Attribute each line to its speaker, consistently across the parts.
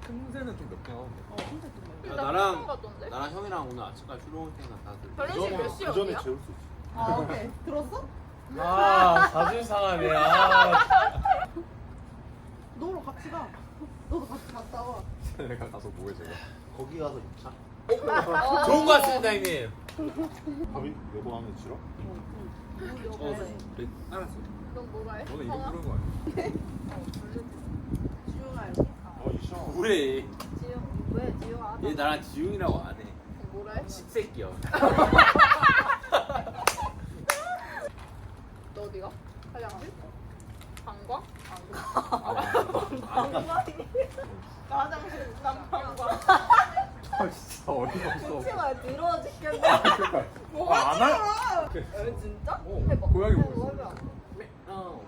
Speaker 1: 틈새는 좀 몇개 하는데.
Speaker 2: 진짜 좀
Speaker 3: 야, 나랑 형이랑 오늘 아침까지 술 먹을 테니까 다들.
Speaker 4: 결혼식 몇 시에
Speaker 5: 전에
Speaker 4: 어디야?
Speaker 5: 재울 수 있어.
Speaker 2: 아 오케이 들었어?
Speaker 1: 아 자존 상하네. 아.
Speaker 2: 너랑 같이 가. 너도 같이 갔다 와.
Speaker 1: 내가 가서 뭐해 제가.
Speaker 5: 거기 가서 자.
Speaker 3: 좋은 거 같습니다, 형님.
Speaker 5: 밥이 여보 하면 싫어?
Speaker 3: 네, 알았어.
Speaker 4: 넌 뭐라 해?
Speaker 1: 너는 이거 부른 거 아니야?
Speaker 2: 지용아 여기.
Speaker 5: 이샤.
Speaker 3: 뭐래?
Speaker 4: 지용 왜 지용아?
Speaker 3: 얘 나랑 지웅이라고 안 해.
Speaker 4: 뭐라 해?
Speaker 3: 식새끼야.
Speaker 4: 너 어디가? 화장실? 방광? 나 화장실 난 방광.
Speaker 1: 아 진짜 어이가 없어.
Speaker 4: 치마야 더러워 죽겠네.
Speaker 1: 그러니까.
Speaker 4: 뭐가
Speaker 1: 안 할?
Speaker 4: 왜 진짜?
Speaker 1: 어,
Speaker 4: 해봐.
Speaker 1: 고양이
Speaker 4: 해봐,
Speaker 1: 보고
Speaker 4: 해봐.
Speaker 3: 어.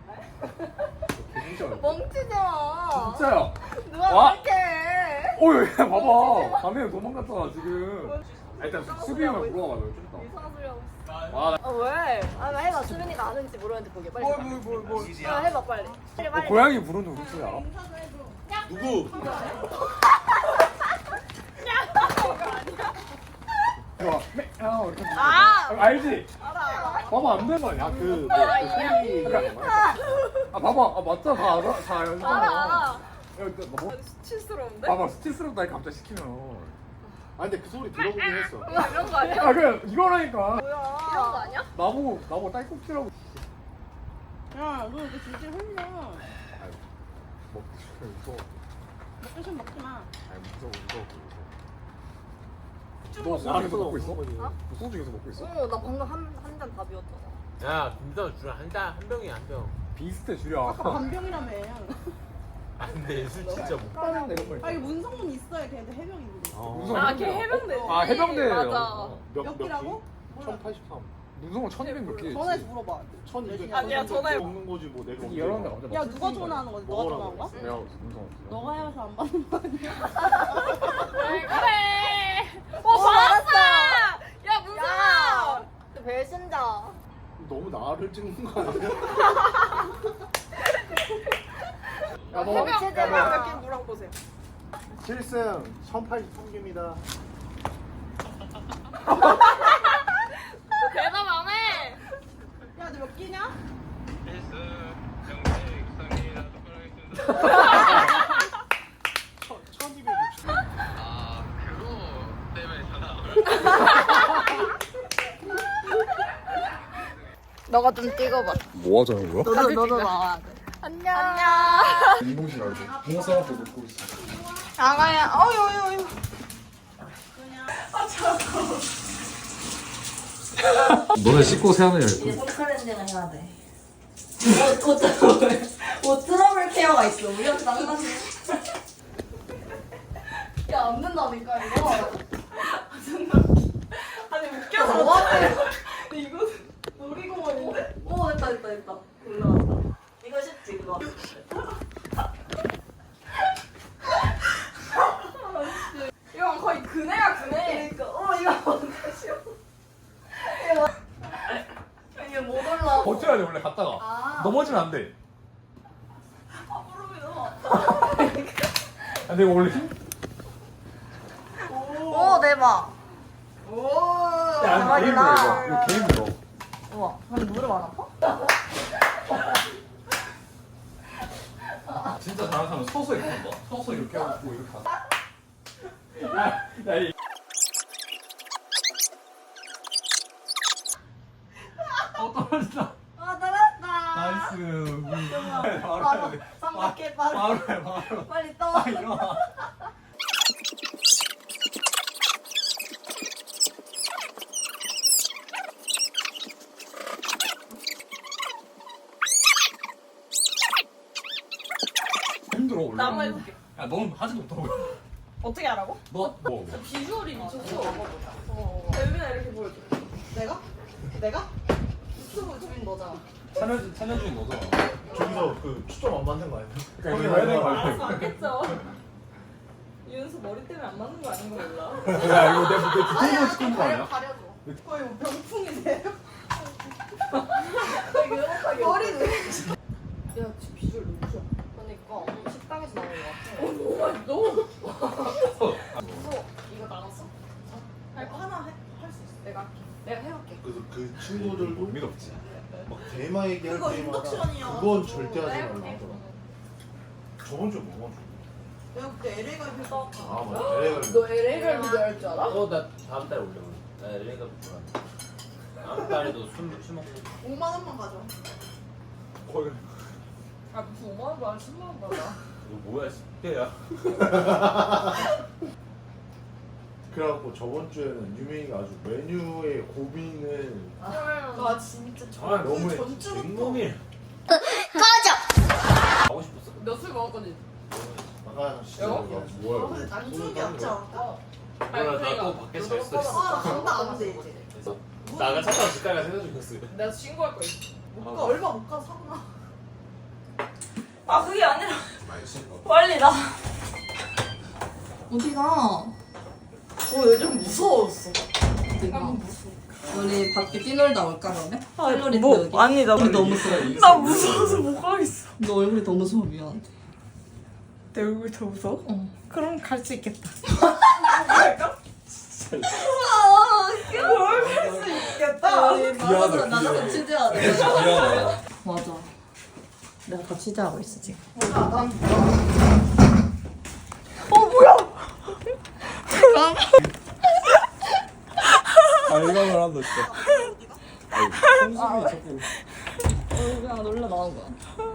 Speaker 1: 진짜.
Speaker 4: 멍치지 마.
Speaker 1: 진짜야.
Speaker 4: 누가
Speaker 1: 와.
Speaker 4: 그렇게 해?
Speaker 1: 어이 봐봐. 밤에 도망갔잖아 지금. 아, 일단 수비 형을 물어봐. 너 좀 이따.
Speaker 4: 이상한 소리 하고 있어.
Speaker 1: 아,
Speaker 4: 아 왜? 아 해봐. 수빈이가 아는지 모르는데 보게 빨리.
Speaker 1: 뭘.
Speaker 4: 아, 해봐 빨리. 빨리.
Speaker 1: 고양이 부르는 우리 알아?
Speaker 3: 누구?
Speaker 1: 좋아. 이렇게.
Speaker 4: 아!
Speaker 1: 알지?
Speaker 4: 알아.
Speaker 1: 봐봐 안 되는 거 아니야?
Speaker 5: 그
Speaker 1: 소리. 아 봐봐. 아 맞잖아. 다 알아. 다 알잖아.
Speaker 4: 알아.
Speaker 1: 야, 너 뭐?
Speaker 4: 수치스러운데?
Speaker 1: 봐봐 스트레스롭다 갑자기 시키면.
Speaker 5: 아 근데 그 소리 들어보긴 했어.
Speaker 4: 뭐야 이런 거 아니야?
Speaker 1: 아 그래 이거라니까.
Speaker 4: 뭐야? 이런 거 아니야?
Speaker 1: 나보고 딸꾹질하고.
Speaker 2: 야너 이렇게 줄줄 흘려.
Speaker 1: 먹기 무서워.
Speaker 2: 먹기 싫으면 먹지 마.
Speaker 1: 아니 무서워. 너 소주 계속 먹고 있어?
Speaker 4: 어?
Speaker 1: 너 소주 계속 먹고 있어?
Speaker 4: 나 방금 한 잔 다 비웠잖아.
Speaker 3: 야, 김선 주랑 한 병이 한 병.
Speaker 1: 비슷해 주려.
Speaker 2: 아까 반병이라며.
Speaker 3: 안 돼, 술 진짜 못.
Speaker 1: 빠른데 이런 거
Speaker 2: 아 이게 문성문 있어야 걔네들 해병인데.
Speaker 4: 아, 걔 해병대.
Speaker 1: 아 해병대.
Speaker 4: 맞아.
Speaker 2: 몇 끼라고?
Speaker 5: 1083.
Speaker 1: 문성은 1200 몇 개.
Speaker 2: 전화해서 물어봐.
Speaker 5: 1200.
Speaker 4: 아니야, 전화해.
Speaker 5: 먹는 거지 뭐 내가. 언제
Speaker 1: 여러 데
Speaker 5: 먹어.
Speaker 1: 갑자기
Speaker 2: 야 누가 전화하는 거지? 너가
Speaker 5: 먹으라고
Speaker 2: 전화한 거야?
Speaker 1: 내가 문성.
Speaker 2: 너가 해서 안 받는 거 아니야?
Speaker 4: 왜 그래? 받았어. 야 문성아. 배신자.
Speaker 5: 너무 나를 찍는 거 아니야?
Speaker 1: 야 너.
Speaker 4: 몇개 물어보세요. 보세요.
Speaker 5: 7승 1083개입니다.
Speaker 4: 대답 안 해.
Speaker 2: 야 너 몇 끼냐?
Speaker 4: 너가 좀 찍어봐.
Speaker 1: 뭐 하자는 거야?
Speaker 4: 너도 나와야 돼. 안녕.
Speaker 1: 이동실 알고. 봉사 앞에 놓고 있어.
Speaker 4: 아가야. 어유.
Speaker 1: 너네 씻고 세안을 해.
Speaker 6: 손크렌징을 해야 돼. 옷 트러블 케어가 있어. 우리한테 낭만이.
Speaker 4: 야, 안 된다니까, 이거.
Speaker 6: 아니 웃겨서
Speaker 4: 뭐 하세요?
Speaker 6: 이거 놀이공원인데? 오 됐다. 올라왔다. 이거 쉽지 그거.
Speaker 4: 이건 거의 그네야, 그네.
Speaker 6: 그러니까 이거 뭔가 쉬워. 이게 못 올라.
Speaker 1: 버텨야 돼 원래 갔다가. 넘어지면 안 돼.
Speaker 6: 무릎이 너무
Speaker 1: 아 근데 이거 원래 힘.
Speaker 6: 오 대박.
Speaker 1: 야 아니 게임이야 이거. 이거 게임이야.
Speaker 6: 우와. 근데 무릎 안 아파?
Speaker 1: 진짜 잘하는 사람은 서서 이렇게 한다. 서서 이렇게 하고 이렇게 한다. 야 이. 떨어진다.
Speaker 6: 아 떨어졌다.
Speaker 1: 나이스. 바로
Speaker 6: 바로
Speaker 1: 해.
Speaker 6: 삼각해 바로.
Speaker 1: 바로 해 바로.
Speaker 6: 빨리 떠.
Speaker 1: 일어나. 힘들어 원래.
Speaker 6: 나만 해볼게.
Speaker 1: 야 넌 하지도 못하고.
Speaker 6: 어떻게 하라고?
Speaker 1: 너 뭐?
Speaker 4: 비주얼이 미쳤어.
Speaker 6: 여빈아 이렇게 보여줘.
Speaker 2: 내가?
Speaker 6: 유튜브 주인 너잖아.
Speaker 1: 찬여준 너잖아.
Speaker 5: 저기서 그 초점 안 맞는 거 아니야?
Speaker 1: 그러니까 이거 해야 되는 거
Speaker 6: 알았어
Speaker 1: 알지?
Speaker 6: 알겠죠. 윤수 머리 때문에 안 맞는 거 아닌 거 몰라.
Speaker 1: 야 이거 내 뒤통수 찍은 거 아니야?
Speaker 4: 가려줘.
Speaker 2: 거의 뭐 병풍이세요?
Speaker 6: 머리 왜?
Speaker 4: 야, 지금 비주얼 너무 좋아. 그러니까 식당에서 나오는 거 같아.
Speaker 6: 너
Speaker 4: 무서워. 이거 나눴어?
Speaker 2: 하나 할 수 있어.
Speaker 4: 내가 해볼게.
Speaker 5: 그래서 그 친구들도
Speaker 1: 의미가 없지.
Speaker 5: 막 대마 얘기할
Speaker 2: 그거
Speaker 5: 때마다
Speaker 2: 인덕션이야.
Speaker 5: 그건 절대 하지
Speaker 4: 내가
Speaker 5: 말라고
Speaker 4: 해볼게.
Speaker 5: 하더라. 저번 주에 뭐 가지고?
Speaker 2: 내가 그때 LA 가서
Speaker 5: 아 맞아. LA
Speaker 4: 너 LA 갈비 좋아할 줄 알아?
Speaker 3: 나 다음 달에 올려. 나 LA가 좋아한다. 다음 달에도 술 먹고.
Speaker 2: 5만 원만 가져.
Speaker 6: 아 무슨 5만 원 받아 10만 원 받아.
Speaker 3: 이거 뭐야 10대야.
Speaker 5: 그래갖고 저번 주에는 유명이가 아주 메뉴의 고민을
Speaker 2: 나 진짜
Speaker 3: 아,
Speaker 5: 너무
Speaker 2: 그 전주부터
Speaker 3: 맹놈이. 가고 싶었어.
Speaker 6: 너 술 먹었거든.
Speaker 5: 아까 진짜
Speaker 6: 여?
Speaker 5: 뭐야?
Speaker 2: 근데 난 추억이 없지 않을까?
Speaker 3: 몰라 나또 밖에서 잘 수도 있어.
Speaker 2: 아, 나 간다 안 돼, 이제.
Speaker 3: 그래서 나가 찾아와 집까지 세서 죽였어.
Speaker 6: 내가 신고할 거야.
Speaker 2: 못 가, 얼마 못 가서 사고 나.
Speaker 4: 아 그게 아니라 빨리 나.
Speaker 7: 어디가?
Speaker 4: 요즘 무서웠어.
Speaker 7: 어디가? 우리 밖에 뛰놀다 올까 그러면? 할로리
Speaker 4: 뭐
Speaker 7: 여기.
Speaker 4: 아니 나
Speaker 7: 얼굴이 너무 무서워.
Speaker 4: 나 무서워서 못 가겠어.
Speaker 7: 너 얼굴이 너무 무서워 미안한데.
Speaker 4: 내 얼굴 더 무서워?
Speaker 7: 어.
Speaker 4: 그럼 갈 수 있겠다.
Speaker 7: 우리 맞아 나가서 취재하자.
Speaker 1: 미안하다.
Speaker 7: 맞아. 내가 더 취재하고 있어 지금.
Speaker 1: 발광을 한다 진짜. 성수기 자꾸.
Speaker 7: 그냥 놀러 나온 거야.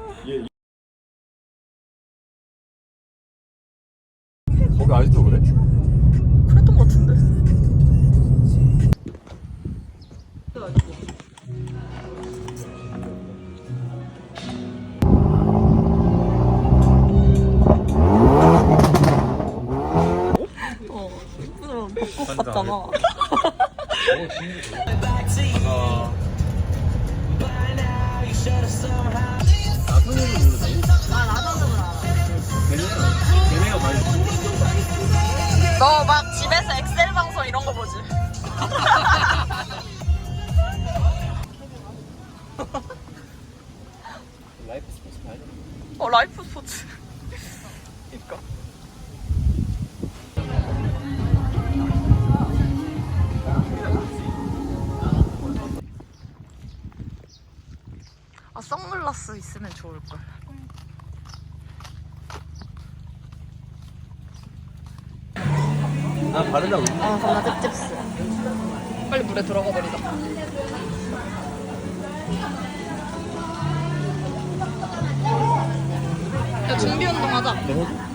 Speaker 1: 거기 아직도 그래?
Speaker 4: 그랬던 것 같은데. 벚꽃 같잖아.
Speaker 3: 걔네가 많이.
Speaker 4: 너 막 집에서 엑셀 방송 이런 거 보지?
Speaker 3: 라이프 스포츠 봐야 돼.
Speaker 4: 라이프 스포츠. 그니까. 아 선글라스 있으면 좋을 걸.
Speaker 3: 나 바르다.
Speaker 4: 아 겁나 찝찝스. 빨리 물에 들어가 버리자. 야 준비 운동 하자.